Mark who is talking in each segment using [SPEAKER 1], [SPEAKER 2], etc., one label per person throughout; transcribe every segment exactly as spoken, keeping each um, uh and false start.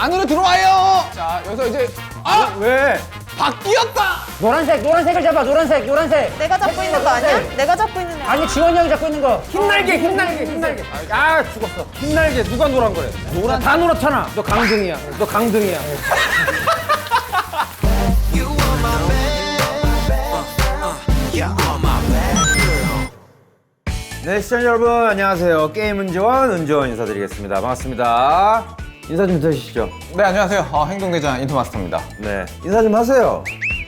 [SPEAKER 1] 안으로 들어와요. 자, 여기서 이제 아!
[SPEAKER 2] 왜?
[SPEAKER 1] 바뀌었다.
[SPEAKER 3] 노란색, 노란색을 잡아, 노란색, 노란색.
[SPEAKER 4] 내가 잡고 있는 거 아니야? 내가 잡고 있는 거
[SPEAKER 3] 아니, 지원이 형이 잡고 있는 거.
[SPEAKER 2] 흰날개, 흰날개, 흰날개. 아, 죽었어. 흰날개 누가 노란 거래? 노란 다 노랗잖아. 너 강등이야. 너 강등이야. 네, 시청자 여러분 안녕하세요. 게임 은지원 은지원 인사드리겠습니다. 반갑습니다. 인사 좀 해주시죠.
[SPEAKER 1] 네, 안녕하세요. 어, 행동대장 인터마스터입니다.
[SPEAKER 2] 네, 인사 좀 하세요.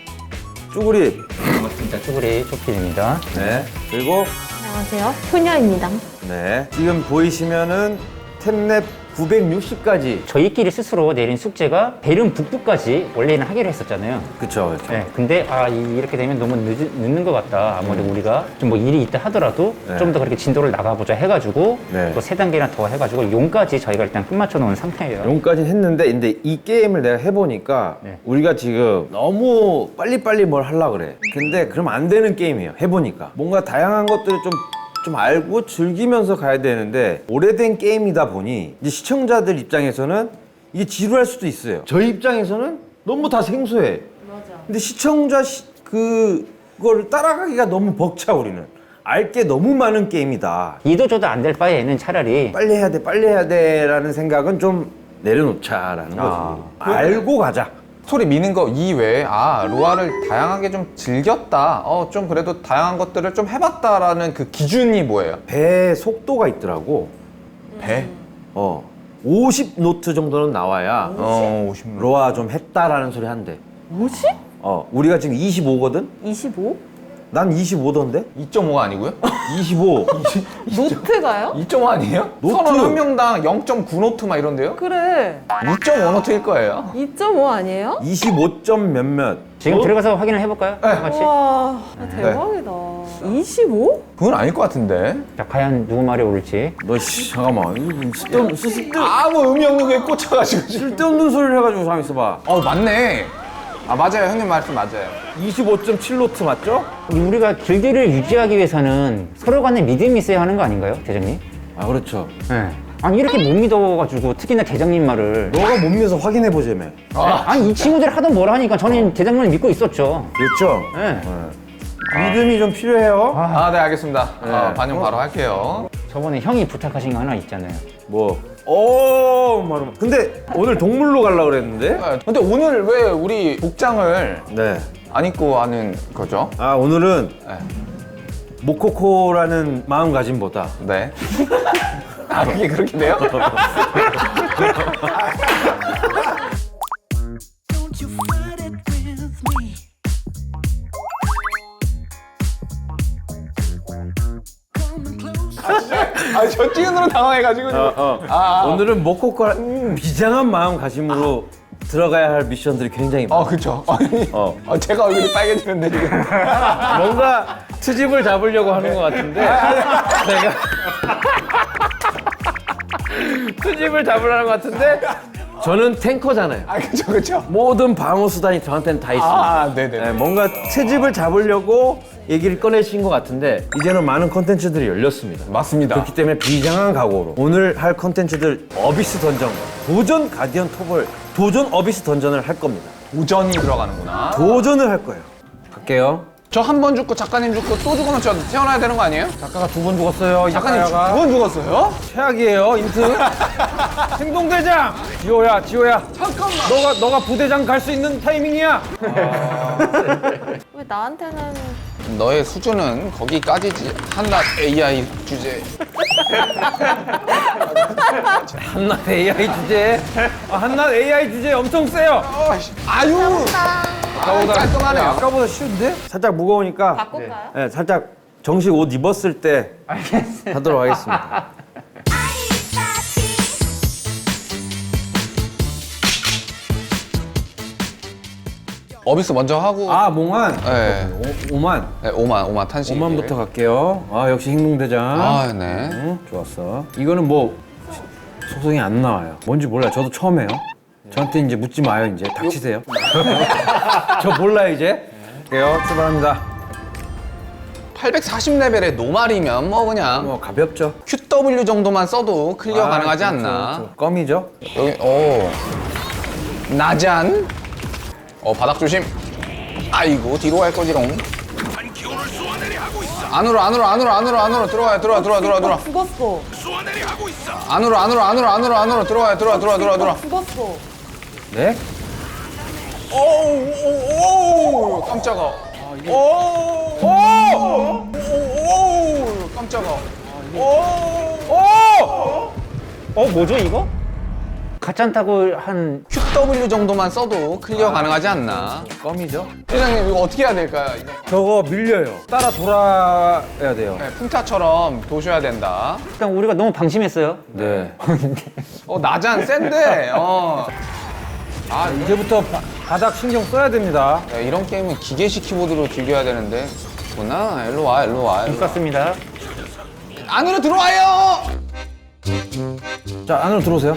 [SPEAKER 2] 쭈구리.
[SPEAKER 3] 반갑습니다. 쭈구리 초필입니다.
[SPEAKER 2] 네, 그리고
[SPEAKER 4] 안녕하세요. 효녀입니다.
[SPEAKER 2] 네, 지금 보이시면은 탭랩 구백육십까지.
[SPEAKER 3] 저희끼리 스스로 내린 숙제가 배름 북부까지 원래는 하기로 했었잖아요.
[SPEAKER 2] 그쵸, 그쵸.
[SPEAKER 3] 네, 근데 아 이- 이렇게 되면 너무 늦, 늦는 것 같다. 아무래도 우리가 좀 뭐 일이 있다 하더라도
[SPEAKER 2] 네.
[SPEAKER 3] 좀 더 그렇게 진도를 나가보자 해가지고
[SPEAKER 2] 네.
[SPEAKER 3] 또 세 단계나 더 해가지고 용까지 저희가 일단 끝마쳐 놓은 상태예요.
[SPEAKER 2] 용까지 했는데, 근데 이 게임을 내가 해보니까
[SPEAKER 3] 네.
[SPEAKER 2] 우리가 지금 너무 빨리빨리 뭘 하려고 그래. 근데 그러면 안 되는 게임이에요. 해보니까. 뭔가 다양한 것들을 좀, 좀 알고 즐기면서 가야 되는데, 오래된 게임이다 보니 이제 시청자들 입장에서는 이게 지루할 수도 있어요. 저희 입장에서는 너무 다 생소해.
[SPEAKER 4] 맞아.
[SPEAKER 2] 근데 시청자 시, 그, 그거를 따라가기가 너무 벅차, 우리는. 알 게 너무 많은 게임이다.
[SPEAKER 3] 이도 저도 안 될 바에는 차라리
[SPEAKER 2] 빨리 해야 돼, 빨리 해야 돼 라는 생각은 좀 내려놓자라는 거지.
[SPEAKER 3] 아.
[SPEAKER 2] 알고 가자.
[SPEAKER 1] 스토리 미는 거 이외에 아, 로아를 다양하게 좀 즐겼다. 어, 좀 그래도 다양한 것들을 좀 해봤다라는 그 기준이 뭐예요?
[SPEAKER 2] 배 속도가 있더라고.
[SPEAKER 1] 배?
[SPEAKER 2] 어, 오십 노트 정도는 나와야
[SPEAKER 1] 어, 오십 로.
[SPEAKER 2] 로아 좀 했다라는 소리 한대.
[SPEAKER 4] 오십?
[SPEAKER 2] 어, 우리가 지금 이십오거든?
[SPEAKER 4] 이십오?
[SPEAKER 2] 난 이십오던데?
[SPEAKER 1] 이 점 오가 아니고요?
[SPEAKER 2] 이십오.
[SPEAKER 4] 노트가요?
[SPEAKER 1] 이 점 오 아니에요?
[SPEAKER 2] 노트.
[SPEAKER 1] 선원 한 명당 영 점 구 노트 막 이런데요?
[SPEAKER 4] 그래.
[SPEAKER 1] 이 점 오 노트일 거예요.
[SPEAKER 4] 이 점 오 아니에요?
[SPEAKER 2] 이십오 점 몇몇.
[SPEAKER 3] 지금
[SPEAKER 2] 어?
[SPEAKER 3] 들어가서 확인을 해볼까요?
[SPEAKER 1] 네.
[SPEAKER 3] 다 같이.
[SPEAKER 4] 와, 대박이다. 이십오?
[SPEAKER 1] 그건 아닐 것 같은데.
[SPEAKER 3] 자, 과연 누구 말이 옳을지.
[SPEAKER 2] 너, 씨, 잠깐만. 이거 뭐 쓸데없는, 쓸- 쓸데,
[SPEAKER 1] 아무 의미 없는 게 꽂혀가지고 지금.
[SPEAKER 2] 쓸데없는 소리를 해가지고 잠 있어봐.
[SPEAKER 1] 어, 맞네. 아, 맞아요. 형님 말씀 맞아요.
[SPEAKER 2] 이십오 점 칠 노트 맞죠?
[SPEAKER 3] 우리가 길기를 유지하기 위해서는 서로 간에 믿음이 있어야 하는 거 아닌가요, 대장님?
[SPEAKER 2] 아, 그렇죠.
[SPEAKER 3] 네. 아니 이렇게 못 믿어가지고 특히나 대장님 말을
[SPEAKER 2] 너가 못 믿어서 확인해보자며.
[SPEAKER 3] 아니 이 친구들이 하도 뭐라 하니까 저는 대장님을 믿고 있었죠.
[SPEAKER 2] 그렇죠?
[SPEAKER 3] 네.
[SPEAKER 2] 믿음이 좀 필요해요.
[SPEAKER 1] 아, 네, 알겠습니다.
[SPEAKER 2] 네.
[SPEAKER 1] 어, 반영 바로 할게요.
[SPEAKER 3] 저번에 형이 부탁하신 거 하나 있잖아요.
[SPEAKER 2] 뭐? 오, 말로. 근데 오늘 동물로 가려고 그랬는데?
[SPEAKER 1] 네, 근데 오늘 왜 우리 복장을
[SPEAKER 2] 네.
[SPEAKER 1] 안 입고 하는 거죠?
[SPEAKER 2] 아, 오늘은
[SPEAKER 1] 네.
[SPEAKER 2] 모코코라는 마음가짐보다
[SPEAKER 1] 네. 아, 그게 그렇게 돼요?
[SPEAKER 5] Don't you fight it with me. Coming close.
[SPEAKER 1] 아, 저 찌은으로 당황해가지고. 지금.
[SPEAKER 2] 어, 어.
[SPEAKER 1] 아, 아.
[SPEAKER 2] 오늘은 모코코라 비장한 마음가짐으로 들어가야 할 미션들이 굉장히 많아.
[SPEAKER 1] 어, 그쵸. 아니,
[SPEAKER 2] 어.
[SPEAKER 1] 어, 제가 얼굴이 빨개지는데, 지금.
[SPEAKER 2] 뭔가 트집을 잡으려고 하는 것 같은데 제가 트집을 잡으려는 것 같은데 저는 탱커잖아요.
[SPEAKER 1] 아, 그쵸, 그쵸.
[SPEAKER 2] 모든 방어 수단이 저한테는 다 있습니다.
[SPEAKER 1] 아, 네네.
[SPEAKER 2] 네, 뭔가 트집을 잡으려고 얘기를 꺼내신 것 같은데 이제는 많은 컨텐츠들이 열렸습니다.
[SPEAKER 1] 맞습니다.
[SPEAKER 2] 그렇기 때문에 비장한 각오로 오늘 할 컨텐츠들 어비스 던전과 도전 가디언 톱을 도전 어비스 던전을 할 겁니다.
[SPEAKER 1] 도전이 들어가는구나.
[SPEAKER 2] 도전을 할 거예요. 갈게요.
[SPEAKER 1] 저 한 번 죽고 작가님 죽고 또 죽으면 저 태어나야 되는 거 아니에요?
[SPEAKER 2] 작가가 두 번 죽었어요.
[SPEAKER 1] 작가님 두
[SPEAKER 2] 작가가
[SPEAKER 1] 번 죽었어요?
[SPEAKER 2] 최악이에요. 인트. 행동대장. 지호야, 지호야.
[SPEAKER 1] 잠깐만.
[SPEAKER 2] 너가 너가 부대장 갈 수 있는 타이밍이야.
[SPEAKER 4] 왜 나한테는
[SPEAKER 1] 너의 수준은 거기까지지. 한낱 에이아이 주제.
[SPEAKER 2] 한낱 에이아이 주제. 아, 한낱 에이아이 주제 엄청 세요.
[SPEAKER 1] 아유.
[SPEAKER 2] 아까보다
[SPEAKER 1] 깔끔하네요.
[SPEAKER 2] 아까보다 쉬운데? 살짝 무거우니까.
[SPEAKER 4] 바꿀까요?
[SPEAKER 2] 네, 살짝 정식 옷 입었을 때
[SPEAKER 3] 알겠어요.
[SPEAKER 2] 하도록 하겠습니다.
[SPEAKER 1] 어비스 먼저 하고.
[SPEAKER 2] 아, 몽환.
[SPEAKER 1] 네.
[SPEAKER 2] 오, 오만.
[SPEAKER 1] 네, 오만, 오만 탄식.
[SPEAKER 2] 오만부터 갈게요. 아, 역시 행동대장.
[SPEAKER 1] 아, 네.
[SPEAKER 2] 응, 좋았어. 이거는 뭐 소송이 안 나와요. 뭔지 몰라요. 저도 처음 해요. 저한테 이제 묻지 마요. 이제 닥치세요. 저 몰라요 이제. 갈게요. 출발합니다.
[SPEAKER 1] 팔백사십 레벨의 노말이면 뭐 그냥
[SPEAKER 2] 뭐 가볍죠.
[SPEAKER 1] 큐더블유 정도만 써도 클리어
[SPEAKER 2] 아,
[SPEAKER 1] 가능하지
[SPEAKER 2] 그렇죠,
[SPEAKER 1] 않나?
[SPEAKER 2] 그렇죠. 껌이죠.
[SPEAKER 1] 여기, 오. 나잔. 어 바닥 조심. 아이고 뒤로 갈 거지롱. 안으로 안으로 안으로 안으로 안으로 들어와요. 들어와 들어와 들어와 들어와.
[SPEAKER 4] 죽었어.
[SPEAKER 1] 안으로 안으로 안으로 안으로 안으로 들어와요. 들어와 들어와 들어와 들어와.
[SPEAKER 4] 죽었어.
[SPEAKER 2] 네?
[SPEAKER 1] 오오오 깜짝아. 오오오 깜짝아. 오오
[SPEAKER 3] 어 뭐죠 이거? 가짠타고 한
[SPEAKER 1] 큐더블유 정도만 써도 클리어 가능하지 않나?
[SPEAKER 2] 껌이죠?
[SPEAKER 1] 회장님 이거 어떻게 해야 될까요? 이거?
[SPEAKER 2] 저거 밀려요. 따라 돌아야 돼요.
[SPEAKER 1] 네, 풍타처럼 도셔야 된다.
[SPEAKER 3] 일단 우리가 너무 방심했어요.
[SPEAKER 2] 네.
[SPEAKER 1] 어 나잔 센데. 어.
[SPEAKER 2] 아, 이제부터 바, 바닥 신경 써야 됩니다.
[SPEAKER 1] 야, 이런 게임은 기계식 키보드로 즐겨야 되는데. 구나 일로 와 일로 와. 일로 와.
[SPEAKER 3] 똑같습니다.
[SPEAKER 1] 안으로 들어와요.
[SPEAKER 2] 자, 안으로 들어오세요.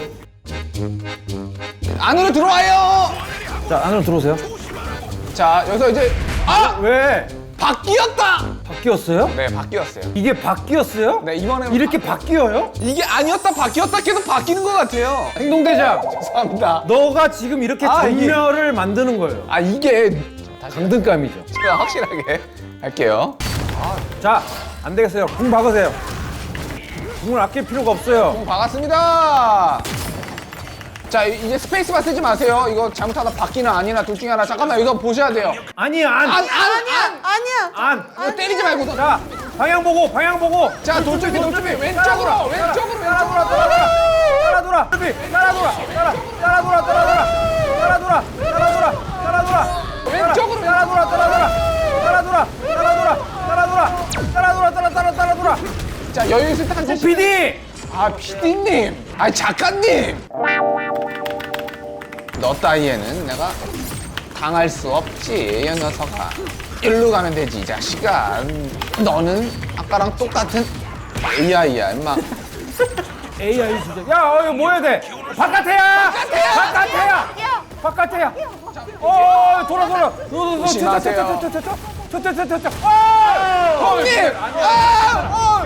[SPEAKER 1] 안으로 들어와요.
[SPEAKER 2] 자, 안으로 들어오세요.
[SPEAKER 1] 자 여기서 이제 아
[SPEAKER 2] 왜?
[SPEAKER 1] 바뀌었다.
[SPEAKER 2] 바뀌었어요?
[SPEAKER 1] 네 바뀌었어요.
[SPEAKER 2] 이게 바뀌었어요?
[SPEAKER 1] 네 이번에
[SPEAKER 2] 이렇게 바뀌어요?
[SPEAKER 1] 이게 아니었다 바뀌었다 계속 바뀌는 것 같아요.
[SPEAKER 2] 행동대장,
[SPEAKER 1] 죄송합니다.
[SPEAKER 2] 너가 지금 이렇게
[SPEAKER 1] 아, 이게-
[SPEAKER 2] 전멸을 만드는 거예요.
[SPEAKER 1] 아 이게
[SPEAKER 2] 강등감이죠.
[SPEAKER 1] 제가 확실하게 할게요.
[SPEAKER 2] 자, 안 되겠어요. 궁 박으세요. 궁을 아낄 필요가 없어요.
[SPEAKER 1] 공 박았습니다. 자 이- 이제 스페이스바 쓰지 마세요. 이거 잘못하다 바뀌나 아니나 둘 중에 하나. 잠깐만 이거 보셔야 돼요.
[SPEAKER 2] 아니야, 안.
[SPEAKER 1] 안 안 안.
[SPEAKER 4] 아니야.
[SPEAKER 2] 안.
[SPEAKER 1] 이거 때리지 말고.
[SPEAKER 2] 자, 방향 보고, 방향 보고.
[SPEAKER 1] 자 돌출비 돌출비 왼쪽으로 왼쪽으로
[SPEAKER 2] 따라 돌아,
[SPEAKER 1] 왼쪽으로.
[SPEAKER 2] 따라 돌아. 따라 돌아. 따라 돌아. 따라 따라 돌아, 따라 돌아. 따라 돌아. 따라 돌아. 따라 돌아.
[SPEAKER 1] 왼쪽으로
[SPEAKER 2] 따라 돌아, 따라 돌아. 따라 돌아. 따라 돌아. 따라 돌아. 따라 돌아, 따라 따라 따라 돌아.
[SPEAKER 1] 자 여유 있을 때 한 세씩.
[SPEAKER 2] 피디!
[SPEAKER 1] 아 피디님. 아 작가님. 너 따위에는 내가 당할 수 없지 이 녀석아. 일로 가면 되지 이 자식아. 너는 아까랑 똑같은 에이아이야 임마.
[SPEAKER 2] 에이아이 진짜. 야, 어, 이거 뭐 해야 돼? 바깥에야!
[SPEAKER 1] 바깥에야!
[SPEAKER 2] 바깥에야! 바깥에야! 어, 돌아, 돌아.
[SPEAKER 1] 조심하세요.
[SPEAKER 2] 저저저저저저저저저저저.
[SPEAKER 1] 형님! 아!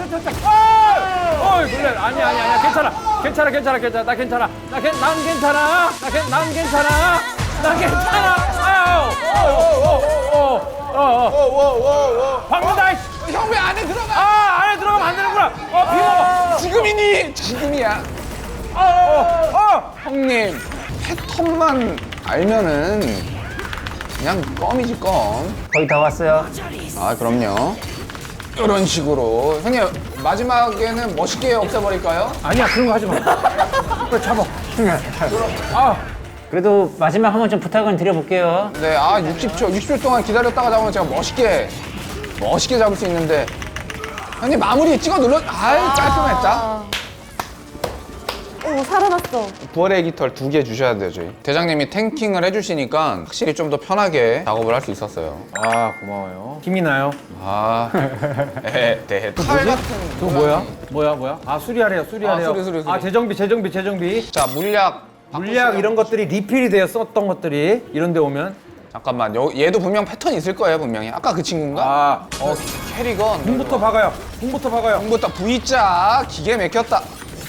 [SPEAKER 2] 어, 그래. 아니야, 아니야, 아니야. 괜찮아. 괜찮아, 괜찮아, 괜찮아. 나 괜찮아. 나 괜, 난 괜찮아. 나 괜, 난 괜찮아. 나 괜찮아. 아유. 어, 어, 어, 어, 어, 어.
[SPEAKER 1] 워워워워.
[SPEAKER 2] 방문다.
[SPEAKER 1] 형 왜 안에 들어가?
[SPEAKER 2] 아, 안에 들어가면 안 되는구나. 어, 비워.
[SPEAKER 1] 지금이니? 지금이야.
[SPEAKER 2] 어, 어, 어.
[SPEAKER 1] 형님 패턴만 알면은 그냥 껌이지 껌.
[SPEAKER 3] 거의 다 왔어요.
[SPEAKER 1] 아 그럼요. 이런 식으로 형님 마지막에는 멋있게 없애버릴까요?
[SPEAKER 2] 아니야, 그런 거 하지 마. 빨리 잡아. 아,
[SPEAKER 3] 그래도 마지막 한번 좀 부탁을 드려볼게요.
[SPEAKER 1] 네, 아 육십 초, 육십 초 동안 기다렸다가 잡으면 제가 멋있게 멋있게 잡을 수 있는데 형님 마무리 찍어 눌러. 아이 깔끔했다.
[SPEAKER 4] 오 살아났어.
[SPEAKER 1] 부활의 깃털 두 개 주셔야 돼요 저희. 대장님이 탱킹을 해주시니까 확실히 좀 더 편하게 작업을 할 수 있었어요.
[SPEAKER 2] 아, 고마워요. 힘이 나요.
[SPEAKER 1] 아, 에, 네, 칼 같은.
[SPEAKER 2] 그거 뭐야? 뭐야, 뭐야? 아, 수리하래요, 수리하래요.
[SPEAKER 1] 아, 수리, 수리, 수리.
[SPEAKER 2] 아, 재정비, 재정비, 재정비.
[SPEAKER 1] 자 물약.
[SPEAKER 2] 물약 이런 것들이 리필이 돼요, 썼던 것들이. 이런 데 오면.
[SPEAKER 1] 잠깐만, 여, 얘도 분명 패턴 있을 거예요 분명히. 아까 그 친구인가?
[SPEAKER 2] 아,
[SPEAKER 1] 어, 캐리건.
[SPEAKER 2] 궁부터 박아요. 궁부터 박아요.
[SPEAKER 1] 궁부터 V자 기계 막혔다.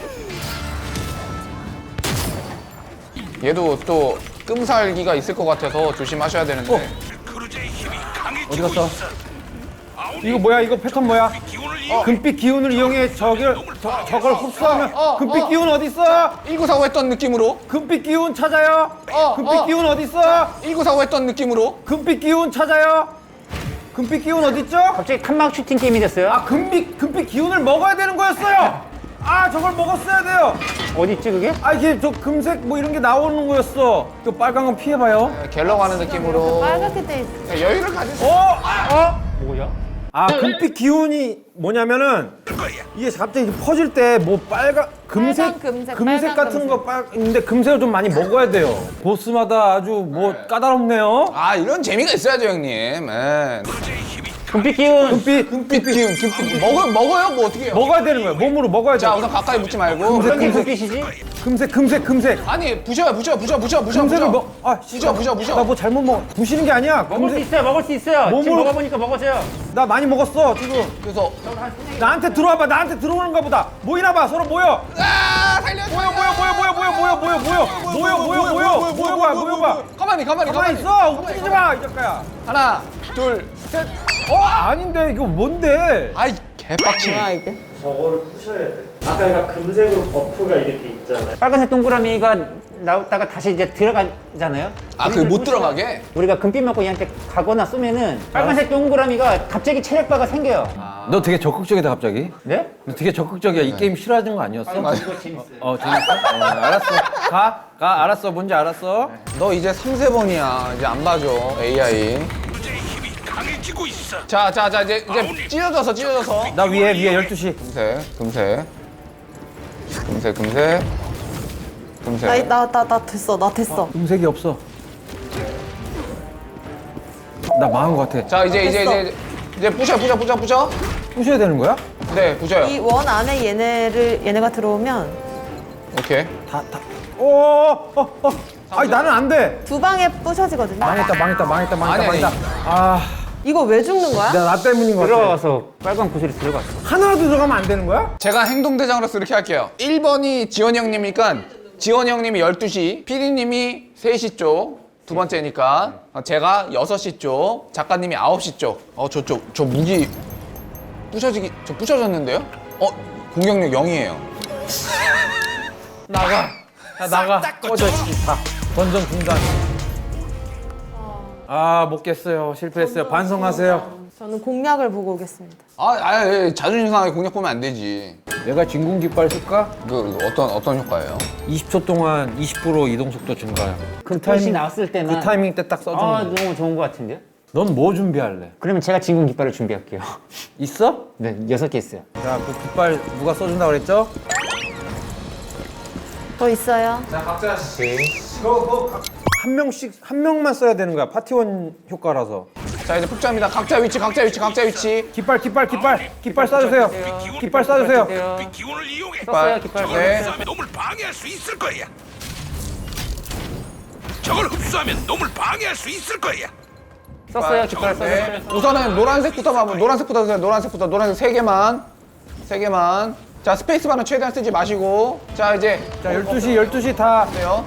[SPEAKER 1] 얘도 또 끔살기가 있을 것 같아서 조심하셔야 되는데.
[SPEAKER 2] 어. 어디 갔어? 이거 뭐야? 이거 패턴 뭐야? 어, 금빛 기운을 이용해 저걸, 저, 저걸 흡수하면
[SPEAKER 1] 어, 어,
[SPEAKER 2] 금빛
[SPEAKER 1] 어.
[SPEAKER 2] 기운 어디 있어?
[SPEAKER 1] 일구사오 했던 느낌으로.
[SPEAKER 2] 금빛 기운 찾아요.
[SPEAKER 1] 어,
[SPEAKER 2] 금빛
[SPEAKER 1] 어.
[SPEAKER 2] 기운 어디 있어?
[SPEAKER 1] 일구사오 했던 느낌으로.
[SPEAKER 2] 금빛 기운 찾아요. 금빛 기운 어디 있죠?
[SPEAKER 3] 갑자기 칸막 슈팅 게임이 됐어요.
[SPEAKER 2] 아, 금빛 금빛 기운을 먹어야 되는 거였어요. 아, 저걸 먹었어야 돼요.
[SPEAKER 3] 어디 있지 그게?
[SPEAKER 2] 아, 이게 저 금색 뭐 이런 게 나오는 거였어. 그 빨간 건 피해봐요.
[SPEAKER 1] 갤러 가는 느낌으로.
[SPEAKER 4] 빨갛게 돼 있어.
[SPEAKER 1] 자, 여유를 가지세요.
[SPEAKER 2] 어? 어?
[SPEAKER 3] 뭐야?
[SPEAKER 2] 아, 금빛 기운이 뭐냐면은 이게 갑자기 퍼질 때 뭐 빨간 금색
[SPEAKER 4] 빨간 금색, 빨간
[SPEAKER 2] 같은
[SPEAKER 4] 금색.
[SPEAKER 2] 거 빨. 근데 금색을 좀 많이 먹어야 돼요. 보스마다 아주 뭐 까다롭네요.
[SPEAKER 1] 아 이런 재미가 있어야죠 형님. 예.
[SPEAKER 3] 금빛 기운.
[SPEAKER 2] 금빛
[SPEAKER 1] 금빛 기운, 금빛 먹어 먹어요 뭐 어떻게 해요?
[SPEAKER 2] 먹어야 되는 거예요. 몸으로 먹어야 돼.
[SPEAKER 1] 자 우선 가까이 붙지 말고.
[SPEAKER 3] 어떤 게 금빛이지?
[SPEAKER 2] 금색, 금색, 금색.
[SPEAKER 1] 아니 부셔요 부셔 부셔 부셔 부셔
[SPEAKER 2] 금색을
[SPEAKER 1] 부셔.
[SPEAKER 2] 먹. 아,
[SPEAKER 1] 부셔 부셔 부셔.
[SPEAKER 2] 나 뭐 잘못 먹. 부시는 게 아니야.
[SPEAKER 3] 먹을 수
[SPEAKER 2] 금색.
[SPEAKER 3] 있어요. 먹을 수 있어요. 지금
[SPEAKER 2] 몸으로-
[SPEAKER 3] 먹어보니까 먹었어요.
[SPEAKER 2] 나 많이 먹었어 지금.
[SPEAKER 1] 그래서
[SPEAKER 2] 나한테 들어와봐. 나한테 들어오는가 보다. 모이나 봐. 서로 모여.
[SPEAKER 1] 아 살려줘.
[SPEAKER 2] 뭐야 뭐야 뭐야 뭐야 뭐야 뭐야 뭐야 뭐야 뭐야 뭐야 뭐야 뭐야 뭐야 뭐야 뭐야
[SPEAKER 1] 가만히 가만히
[SPEAKER 2] 가만히 있어 움직이지 마 이 작가야.
[SPEAKER 1] 하나, 둘, 셋.
[SPEAKER 2] 어 아닌데 이거 뭔데?
[SPEAKER 1] 아이 개빡치네.
[SPEAKER 4] 뭐야 이게?
[SPEAKER 6] 저거를 푸셔야 돼. 아까 얘가 금색으로 버프가 이렇게 있잖아요.
[SPEAKER 3] 빨간색 동그라미가 나왔다가 다시 이제 들어가잖아요.
[SPEAKER 1] 아, 그게 못 들어가게?
[SPEAKER 3] 우리가 금빛 맞고 얘한테 가거나 쏘면은 빨간색 동그라미가 갑자기 체력바가 생겨요.
[SPEAKER 2] 너 되게 적극적이다 갑자기.
[SPEAKER 3] 네?
[SPEAKER 2] 너 되게 적극적이야. 이 게임 싫어하는 거 아니었어?
[SPEAKER 1] 맞아.
[SPEAKER 2] 어 재밌어? 어 알았어. 가. 가 알았어. 뭔지 알았어.
[SPEAKER 1] 너 이제 삼세 번이야. 이제 안 봐줘. 에이아이. 자, 자, 자, 이제 이제 찢어져서 찢어져서.
[SPEAKER 2] 나 위에 위에 열두 시.
[SPEAKER 1] 금세, 금세, 금세, 금세, 금세.
[SPEAKER 4] 나 나 나 나 됐어 나 됐어.
[SPEAKER 2] 음색이 없어. 나 망한 거 같아.
[SPEAKER 1] 자, 이제 이제
[SPEAKER 4] 됐어.
[SPEAKER 1] 이제 이제 부셔, 부셔, 부셔, 부셔.
[SPEAKER 2] 부셔야 되는 거야?
[SPEAKER 1] 네, 부셔요.
[SPEAKER 4] 이 원 안에 얘네를 얘네가 들어오면
[SPEAKER 1] 오케이.
[SPEAKER 2] 다 다. 오어어 어. 아니 나는 안 돼.
[SPEAKER 4] 두 방에 부셔지거든요.
[SPEAKER 2] 망했다 망했다 망했다 망했다
[SPEAKER 1] 아니, 아니.
[SPEAKER 2] 망했다. 아,
[SPEAKER 4] 이거 왜 죽는 거야?
[SPEAKER 2] 내가 나 때문인 거 같아.
[SPEAKER 3] 들어가서 빨간 구슬이 들어갔어.
[SPEAKER 2] 하나라도 들어가면 안 되는 거야?
[SPEAKER 1] 제가 행동대장으로서 이렇게 할게요. 일 번이 지원이 형님이니까 지원이 형님이 열두 시, 피디님이 세 시 쪽, 두 번째니까 제가 여섯 시 쪽, 작가님이 아홉 시 쪽. 어, 저쪽, 저 무기 부셔지기, 저 부셔졌는데요? 어, 공격력 영이에요.
[SPEAKER 2] 나가. 야, 나가. 꺼져 씨. 다. 던전 중단. 아, 못 깼어요. 실패했어요. 반성하세요.
[SPEAKER 4] 저는 공략을 보고 오겠습니다.
[SPEAKER 1] 아, 아, 예, 자존심 상하게 공략 보면 안 되지.
[SPEAKER 2] 내가 진공 깃발 쓸까?
[SPEAKER 1] 그 어떤 어떤 효과예요?
[SPEAKER 2] 이십 초 동안 이십 퍼센트 이동 속도 증가요.
[SPEAKER 3] 그 표시 나왔을 때만
[SPEAKER 2] 그 타이밍 때 딱 써주는
[SPEAKER 3] 아
[SPEAKER 2] 거.
[SPEAKER 3] 너무 좋은 것 같은데요?
[SPEAKER 2] 넌 뭐 준비할래?
[SPEAKER 3] 그러면 제가 진공 깃발을 준비할게요.
[SPEAKER 2] 있어?
[SPEAKER 3] 네, 여섯 개 있어요.
[SPEAKER 2] 자, 그 깃발 누가 써준다 그랬죠?
[SPEAKER 4] 더 있어요.
[SPEAKER 1] 자, 각자 씨.
[SPEAKER 2] 한 명씩 한 명만 써야 되는 거야. 파티원 효과라서.
[SPEAKER 1] 자, 이제 폭주합니다. 각자 위치, 각자 위치, 각자 위치.
[SPEAKER 2] 깃발, 깃발, 깃발, 깃발 쏴주세요. 깃발 쏴주세요.
[SPEAKER 7] 기운을 이용해
[SPEAKER 3] 썼어요, 깃발.
[SPEAKER 1] 네.
[SPEAKER 7] 흡수하면 놈을 방해할 수 있을 거야. 저걸 흡수하면 놈을 방해할 수 있을 거야.
[SPEAKER 3] 썼어요, 깃발 썼어요.
[SPEAKER 1] 네. 우선은 노란색부터 봐봐. 노란색부터 드세요. 노란색부터. 노란색 세 개만. 세 개만. 자, 스페이스바는 최대한 쓰지 마시고. 자, 이제
[SPEAKER 2] 자, 열두 시, 열두 시 다,
[SPEAKER 1] 돼요.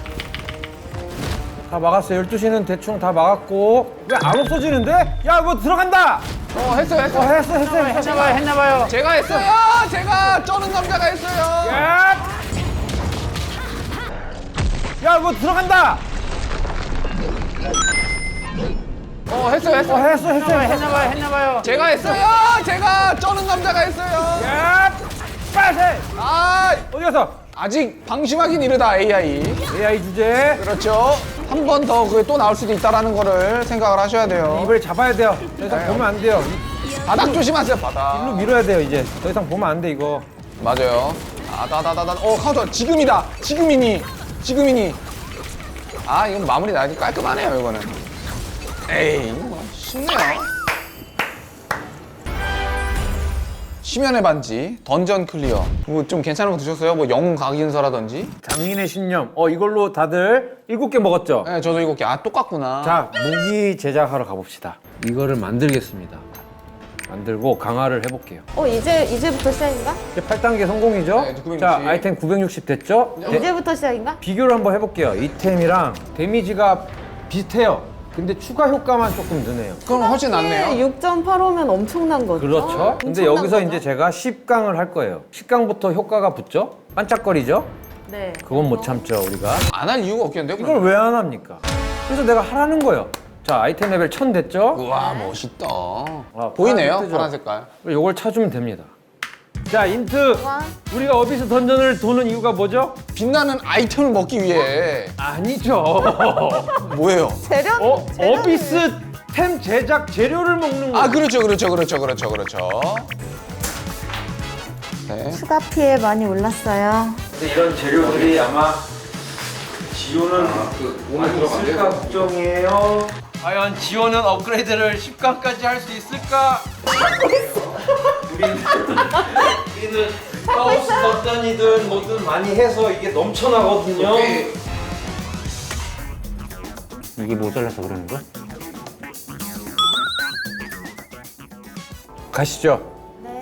[SPEAKER 2] 다 막았어요. 열두 시는 대충 다 막았고. 왜 안 없어지는데? 야, 뭐 들어간다!
[SPEAKER 1] 어, 했어요,
[SPEAKER 2] 어,
[SPEAKER 1] 했어요.
[SPEAKER 2] 했어, 했어, 했어.
[SPEAKER 3] 했나봐요, 했나봐요.
[SPEAKER 1] 제가 했어요. 제가 쩌는 남자가 했어요.
[SPEAKER 2] 야! 야, 뭐 들어간다!
[SPEAKER 1] 어, 했어요,
[SPEAKER 2] 어,
[SPEAKER 1] 했어요.
[SPEAKER 2] 했어, 했어, 했어.
[SPEAKER 3] 했나봐요, 했나봐요.
[SPEAKER 1] 제가 했어요. 제가 쩌는 남자가 했어요.
[SPEAKER 2] 야! 빨리!
[SPEAKER 1] 아,
[SPEAKER 2] 어디 갔어?
[SPEAKER 1] 아직 방심하긴 이르다, 에이아이.
[SPEAKER 2] 에이아이 주제.
[SPEAKER 1] 그렇죠. 한 번 더 그게 또 나올 수도 있다라는 거를 생각을 하셔야 돼요.
[SPEAKER 2] 이걸 잡아야 돼요. 더 이상 보면 안 돼요.
[SPEAKER 1] 바닥 조심하세요, 바닥.
[SPEAKER 2] 일로 밀어야 돼요, 이제. 더 이상 보면 안 돼, 이거.
[SPEAKER 1] 맞아요. 아, 다다다다. 어, 카운터. 지금이다. 지금이니. 지금이니. 아, 이건 마무리 나기 깔끔하네요, 이거는. 에이, 이거 뭐 쉽네요. 심연의 반지, 던전 클리어. 뭐 좀 괜찮은 거 드셨어요? 뭐 영웅 각인서라든지?
[SPEAKER 2] 장인의 신념. 어, 이걸로 다들 일곱 개 먹었죠?
[SPEAKER 1] 네, 저도 이거 아, 똑같구나.
[SPEAKER 2] 자, 무기 제작하러 가봅시다. 이거를 만들겠습니다. 만들고 강화를 해볼게요.
[SPEAKER 4] 어 이제 이제부터 시작인가?
[SPEAKER 2] 이제 팔 단계 성공이죠?
[SPEAKER 1] 네, 구백육십.
[SPEAKER 2] 자, 아이템 구백육십 됐죠? 네,
[SPEAKER 4] 이제부터 시작인가?
[SPEAKER 2] 비교를 한번 해볼게요. 이템이랑 데미지가 비슷해요. 근데 추가 효과만 조금 느네요.
[SPEAKER 1] 그럼 훨씬 낫네요.
[SPEAKER 4] 육 점 팔오면 엄청난 거죠.
[SPEAKER 2] 그렇죠. 근데
[SPEAKER 4] 엄청난
[SPEAKER 2] 여기서
[SPEAKER 4] 거죠?
[SPEAKER 2] 이제 제가 십 강을 할 거예요. 십 강부터 효과가 붙죠? 반짝거리죠?
[SPEAKER 4] 네.
[SPEAKER 2] 그건 못 참죠, 우리가.
[SPEAKER 1] 안 할 이유가 없겠는데요?
[SPEAKER 2] 이걸 왜 안 합니까? 그래서 내가 하라는 거예요. 자, 아이템 레벨 천 됐죠?
[SPEAKER 1] 우와, 멋있다.
[SPEAKER 2] 아,
[SPEAKER 1] 보이네요,
[SPEAKER 2] 파란
[SPEAKER 1] 파란 색깔.
[SPEAKER 2] 이걸 찾으면 됩니다. 자, 인트.
[SPEAKER 4] 와.
[SPEAKER 2] 우리가 어비스 던전을 도는 이유가 뭐죠?
[SPEAKER 1] 빛나는 아이템을 먹기 위해.
[SPEAKER 2] 아니죠.
[SPEAKER 1] 뭐예요?
[SPEAKER 4] 재료.
[SPEAKER 2] 어,
[SPEAKER 4] 재료를-
[SPEAKER 2] 어비스 템 제작 재료를 먹는 거야.
[SPEAKER 1] 아, 그렇죠, 그렇죠, 그렇죠, 그렇죠, 그렇죠. 네.
[SPEAKER 4] 추가 피해 많이 올랐어요.
[SPEAKER 2] 근데 이런 재료들이 아마 지효는 그 몸에 들어갈까 걱정이에요. 과연 지효는 업그레이드를 십 강까지 할 수 있을까? 우리는, 우리는 하우스 던전이든 뭐든 많이 해서 이게 넘쳐나거든요.
[SPEAKER 3] 이게 모자라서 그러는 거야?
[SPEAKER 2] 가시죠.
[SPEAKER 4] 네.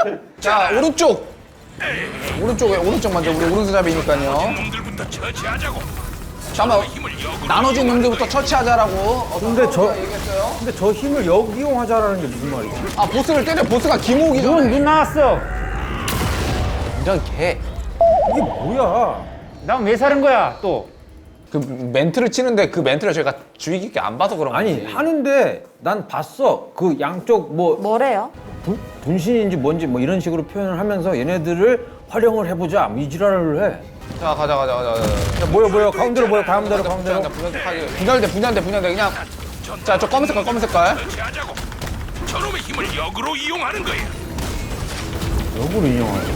[SPEAKER 1] 자 오른쪽 오른쪽에 오른쪽 먼저 우리 오른손잡이니까요.
[SPEAKER 7] 놈들부터 처치하자고.
[SPEAKER 1] 잠깐만
[SPEAKER 7] 힘을 역으로
[SPEAKER 1] 나눠준 놈들부터 처치하자라고. 어,
[SPEAKER 2] 근데 저-
[SPEAKER 1] 선수가 얘기했어요.
[SPEAKER 2] 근데 저 힘을 역이용하자라는 게 무슨 말이지?
[SPEAKER 1] 아 보스를 때려. 보스가 김옥이죠.
[SPEAKER 3] 눈, 눈 나왔어.
[SPEAKER 1] 이런 개.
[SPEAKER 2] 이게 뭐야?
[SPEAKER 3] 난 왜 사는 거야 또?
[SPEAKER 1] 그 멘트를 치는데 그 멘트를 저희가 주의 깊게 안 봐서 그런 거지.
[SPEAKER 2] 아니 하는데 난 봤어. 그 양쪽 뭐
[SPEAKER 4] 뭐래요?
[SPEAKER 2] 분, 분신인지 뭔지 뭐 이런 식으로 표현을 하면서 얘네들을 활용을 해보자 뭐 이 지랄을 해.
[SPEAKER 1] 자 가자 가자 가자. 가자.
[SPEAKER 2] 야, 모여 모여 가운데로 모여 가운데로 가운데로.
[SPEAKER 1] 분열돼 분열돼 분열돼 그냥. 자 저 검은 색깔 검은 색깔.
[SPEAKER 7] 처치하자고. 저놈의 힘을 역으로 이용하는 거야.
[SPEAKER 2] 역으로 인용하지.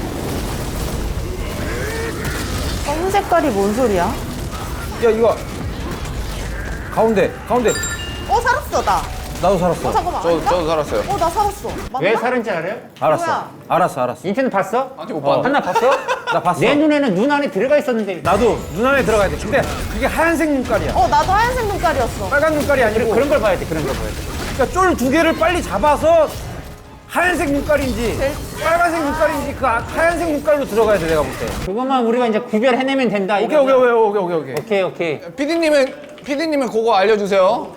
[SPEAKER 4] 검은 색깔이 뭔 소리야?
[SPEAKER 2] 야 이거 가운데 가운데.
[SPEAKER 4] 어 살았어 나.
[SPEAKER 2] 나도 살았어.
[SPEAKER 4] 어, 잠깐만.
[SPEAKER 1] 저,
[SPEAKER 4] 아닌가?
[SPEAKER 1] 저도 살았어요.
[SPEAKER 4] 어, 나 살았어. 맞나?
[SPEAKER 3] 왜 살은지 알아요?
[SPEAKER 2] 알았어.
[SPEAKER 4] 뭐야?
[SPEAKER 2] 알았어, 알았어.
[SPEAKER 3] 인터넷 봤어?
[SPEAKER 1] 아직 못 봤는데.
[SPEAKER 3] 한나 봤어?
[SPEAKER 2] 나 봤어.
[SPEAKER 3] 내 눈에는 눈 안에 들어가 있었는데.
[SPEAKER 2] 나도 눈 안에 들어가야 돼. 근데 그게 하얀색 눈깔이야.
[SPEAKER 4] 어, 나도 하얀색 눈깔이었어.
[SPEAKER 2] 빨간 눈깔이 아니고.
[SPEAKER 3] 그런 걸 봐야 돼. 그런 걸 봐야 돼.
[SPEAKER 2] 그러니까 쫄 두 개를 빨리 잡아서 하얀색 눈깔인지 빨간색 눈깔인지 그 아- 하얀색 눈깔로 들어가야 돼 내가 볼 때.
[SPEAKER 3] 그것만 우리가 이제 구별해내면 된다.
[SPEAKER 2] 오케이 오케이 오케이 오케이 오케이 오케이.
[SPEAKER 3] 오케이 오케이.
[SPEAKER 1] 피디님은, 피디님은 그거 알려주세요.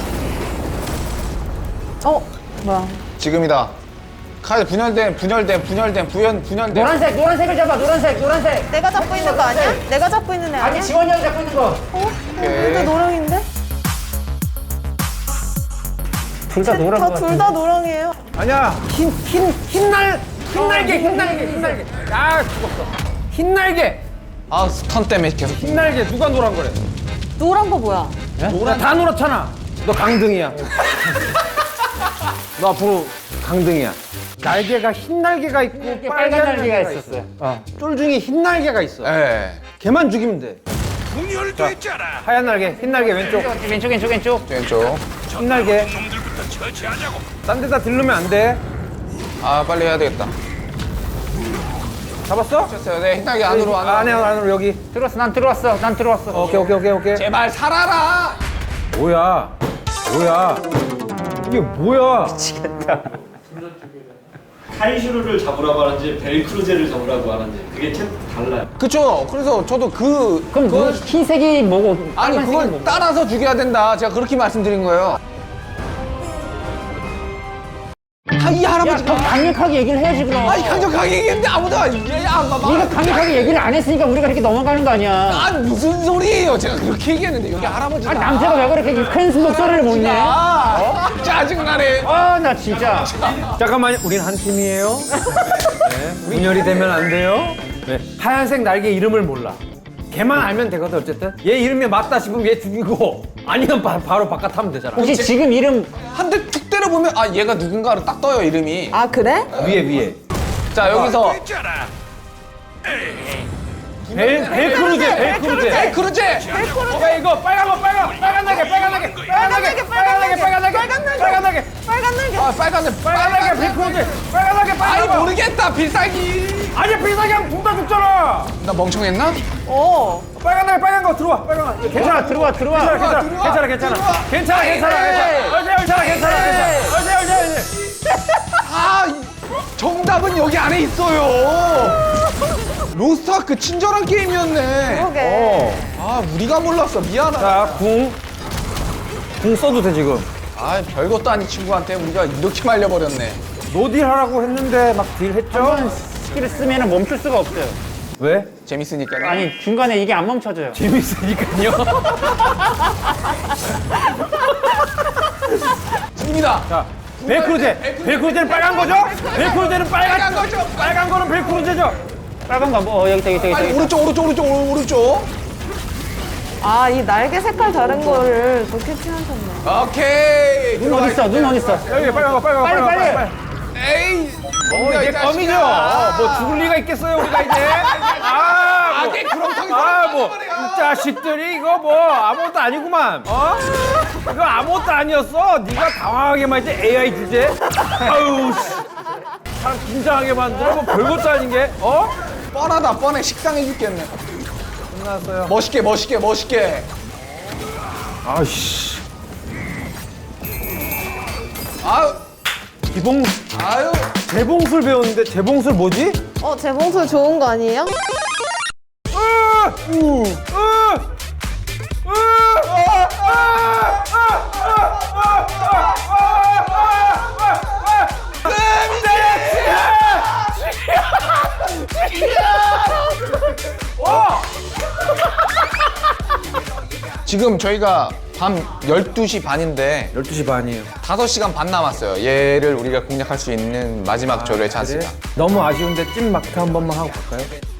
[SPEAKER 4] 어, 뭐야.
[SPEAKER 1] 지금이다. 카드 분열된, 분열된, 분열된, 부연, 분열된.
[SPEAKER 3] 노란색 노란색을 잡아. 노란색 노란색.
[SPEAKER 4] 내가 잡고 있는 거 아니야? 내가 잡고 있는 애 아니야?
[SPEAKER 3] 아니 지원이 형이 잡고 있는 거.
[SPEAKER 4] 어? 둘다 노랑인데?
[SPEAKER 3] 둘 다 노란 거.
[SPEAKER 4] 둘 다 노랑이에요.
[SPEAKER 2] 아니야 흰흰 흰날 흰날개 흰날개 흰날개. 아 죽었어. 흰날개
[SPEAKER 1] 아, 스턴 때문에 계속.
[SPEAKER 2] 흰날개 누가 노란 거래?
[SPEAKER 4] 노란 거 뭐야?
[SPEAKER 2] 노란 다 노랗잖아. 너 강등이야. 너 앞으로 강등이야. 날개가 흰 날개가 있고
[SPEAKER 3] 빨간 날개가 있었어요. 어.
[SPEAKER 2] 쫄 중에 흰 날개가 있어.
[SPEAKER 1] 예.
[SPEAKER 2] 걔만 죽이면 돼.
[SPEAKER 7] 분열됐잖아.
[SPEAKER 2] 하얀 날개, 흰 날개 왼쪽.
[SPEAKER 3] 왼쪽 왼쪽 왼쪽.
[SPEAKER 1] 왼쪽.
[SPEAKER 2] 흰 날개.
[SPEAKER 7] 놈들부터 처치하자고.
[SPEAKER 2] 딴 데다 들르면 안 돼.
[SPEAKER 1] 아, 빨리 해야 되겠다.
[SPEAKER 2] 잡았어?
[SPEAKER 1] 됐어요. 네, 흰날개 안으로, 안으로.
[SPEAKER 2] 안에 안으로 여기.
[SPEAKER 3] 들어왔어. 난 들어왔어. 난 들어왔어.
[SPEAKER 2] 오케이 오케이 오케이 오케이.
[SPEAKER 1] 제발 살아라!
[SPEAKER 2] 뭐야? 뭐야? 이게 뭐야?
[SPEAKER 6] 카이슈르를 잡으라고 하는지 벨크루제를 잡으라고 하는지 그게 참 달라요.
[SPEAKER 1] 그쵸. 그래서 저도 그.
[SPEAKER 3] 그럼
[SPEAKER 1] 그걸-
[SPEAKER 3] 그 흰색이 뭐고
[SPEAKER 1] 아니,
[SPEAKER 3] 빨간색이
[SPEAKER 1] 그걸
[SPEAKER 3] 뭐고?
[SPEAKER 1] 따라서 죽여야 된다. 제가 그렇게 말씀드린 거예요. 아, 이
[SPEAKER 3] 야,
[SPEAKER 1] 할아버지가.
[SPEAKER 3] 그럼 강력하게 얘기를 해야지 그럼.
[SPEAKER 1] 아니, 강력하게 얘기했는데 아무도 안, 야, 안 봐.
[SPEAKER 3] 네가 강력하게 얘기를 안 했으니까 우리가 이렇게 넘어가는 거 아니야.
[SPEAKER 1] 아, 무슨 소리예요. 제가 그렇게 얘기했는데, 여기 할아버지가.
[SPEAKER 3] 아니 남자가 왜 그렇게 큰 목소리를 못 내?
[SPEAKER 1] 아, 짜증나네.
[SPEAKER 3] 아 나 진짜.
[SPEAKER 2] 잠깐만요. 우린 한 팀이에요. 네. 분열이 되면 안 돼요. 네. 하얀색 날개 이름을 몰라. 걔만 알면 되거든 어쨌든. 얘 이름이 맞다 싶으면 얘 죽이고 아니면 바, 바로 바깥 하면 되잖아.
[SPEAKER 3] 혹시 지금 이름
[SPEAKER 1] 한 대 툭 때려보면, 아, 얘가 누군가를 딱 떠요, 이름이.
[SPEAKER 4] 아, 그래?
[SPEAKER 2] 위에 위에.
[SPEAKER 1] 자, 여기서.
[SPEAKER 7] 됐잖아.
[SPEAKER 2] 벨 벨크루제 벨크루제.
[SPEAKER 1] 에 크루제!
[SPEAKER 2] 야 이거 빨간 거 빨간 빨간 날개 빨간 날개 빨간 날개 빨간 날개 빨간 날개 빨간 날개 빨간 날개
[SPEAKER 4] 빨간 날개.
[SPEAKER 1] 아, 빨간색.
[SPEAKER 2] 빨간 날개 벨크루제 빨간 날개
[SPEAKER 1] 아니,
[SPEAKER 2] 빨간 거.
[SPEAKER 1] 모르겠다, 필살기.
[SPEAKER 2] 아니 비싸게 하면 둘 다 죽잖아.
[SPEAKER 1] 나 멍청했나?
[SPEAKER 4] 어.
[SPEAKER 2] 빨간 날개 빨간 거 들어와 빨간 거.
[SPEAKER 3] 괜찮아 들어와 들어와.
[SPEAKER 2] 괜찮아
[SPEAKER 1] 들어와,
[SPEAKER 2] 괜찮아 괜찮아
[SPEAKER 1] 들어와.
[SPEAKER 2] 괜찮아 괜찮아 괜찮아 괜찮아 괜찮아 괜찮아 괜찮아 괜찮아 괜찮아.
[SPEAKER 1] 아, 이- 정답은 여기 안에 있어요. 로스트아크 친절한 게임이었네.
[SPEAKER 4] 그러게.
[SPEAKER 1] 아, 우리가 몰랐어. 미안하다.
[SPEAKER 2] 자궁궁 써도 돼 지금.
[SPEAKER 1] 아, 별것도 아닌 친구한테 우리가 이렇게 말려버렸네.
[SPEAKER 2] 노딜 하라고 했는데 막 딜 했죠?
[SPEAKER 3] 한번 스킬을 쓰면 멈출 수가 없어요.
[SPEAKER 2] 왜?
[SPEAKER 1] 재밌으니까.
[SPEAKER 3] 아니 중간에 이게 안 멈춰져요.
[SPEAKER 2] 재밌으니까요.
[SPEAKER 1] 집니다.
[SPEAKER 2] 자, 벨크루제. 벨크루제는 빨간 거죠? 벨크루제는 빨간
[SPEAKER 1] 빨간 거죠?
[SPEAKER 2] 빨간 거는 벨크루제죠?
[SPEAKER 3] 빨간 거 뭐? 어, 여기 있다 여기 있다
[SPEAKER 1] 빨리
[SPEAKER 3] 여기 있다.
[SPEAKER 1] 오른쪽, 오른쪽, 오른쪽, 오른- 오른쪽.
[SPEAKER 4] 아, 이 날개 색깔 다른 거를 또 캐치하셨네.
[SPEAKER 1] 오케이.
[SPEAKER 3] 눈 어디 있어? 눈 어디 있어?
[SPEAKER 2] 여기 빨간 거 빨간 거
[SPEAKER 3] 빨리,
[SPEAKER 2] 빨간 거
[SPEAKER 3] 빨리.
[SPEAKER 1] 에이.
[SPEAKER 2] 어, 이게 껌이죠? 뭐 죽을 리가 있겠어요 우리가 이제? 아, 뭐.
[SPEAKER 1] 아게 구렁텅이
[SPEAKER 2] 아, 뭐, 이 자식들이 이거 뭐 아무것도 아니구만. 어? 이거 아무것도 아니었어. 네가 당황하게만 했지 에이아이 주제. 아유, 씨. 사람 긴장하게 만들어. 뭐 별것도 아닌 게. 어?
[SPEAKER 1] 뻔하다, 뻔해. 식상해 죽겠네.
[SPEAKER 2] 끝났어요.
[SPEAKER 1] 멋있게, 멋있게, 멋있게.
[SPEAKER 2] 아이씨.
[SPEAKER 1] 아유,
[SPEAKER 2] 기봉,
[SPEAKER 1] 아유.
[SPEAKER 2] 재봉술 배웠는데 재봉술 뭐지?
[SPEAKER 4] 어, 재봉술 좋은 거 아니에요?
[SPEAKER 2] 으! 우! 으! 으! 아! 아! 아! 아! 아!
[SPEAKER 1] 지금 저희가 밤 열두 시 반인데
[SPEAKER 2] 열두 시 반이에요.
[SPEAKER 1] 다섯 시간 반 남았어요. 얘를 우리가 공략할 수 있는 마지막 조류의 찬스가.
[SPEAKER 2] 너무 아쉬운데 찐 마크 한 번만 하고 갈까요?